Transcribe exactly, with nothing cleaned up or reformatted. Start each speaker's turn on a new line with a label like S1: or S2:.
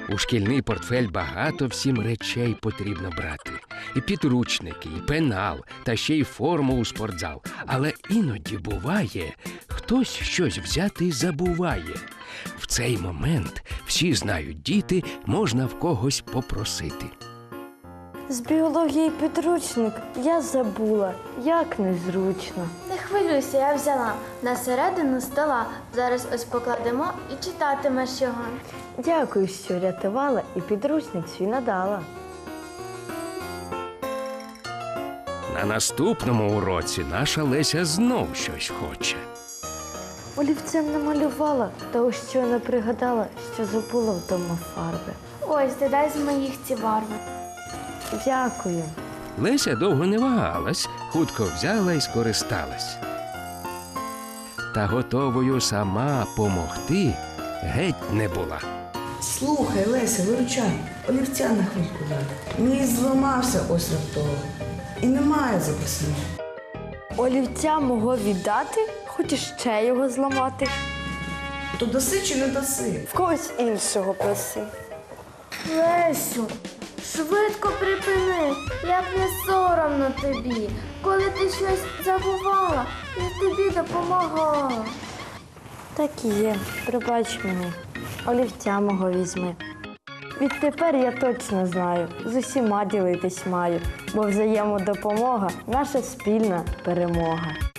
S1: У шкільний портфель багато всім речей потрібно брати. І підручники, і пенал, та ще й форму у спортзал. Але іноді буває, хтось щось взяти і забуває. В цей момент, всі знають діти, можна в когось попросити.
S2: З біології підручник я забула, як незручно.
S3: Не хвилюйся, я взяла. На середину стола. Зараз ось покладемо і читатимеш його.
S2: Дякую, що рятувала і підручник свій надала.
S1: На наступному уроці наша Леся знов щось хоче.
S2: Олівцем намалювала, та ось щойно пригадала, що забула вдома фарби.
S3: Ось, додай з моїх ці барви.
S2: Дякую.
S1: Леся довго не вагалась, хутко взяла і скористалась. Та готовою сама помогти геть не була.
S4: Слухай, Леся, виручай, олівця на хвильку дай. Мій зламався ось раптово. І немає записаного.
S2: Олівця мого віддати? Хочеш ще його зламати?
S4: То даси чи не даси?
S2: В когось іншого проси.
S3: Лесю, швидко припини, як не соромно тобі. Коли ти щось забувала, я тобі допомагала.
S2: Так і є, пробач мені. Олівця мого візьми. Відтепер я точно знаю, з усіма ділитись маю, бо взаємодопомога – наша спільна перемога.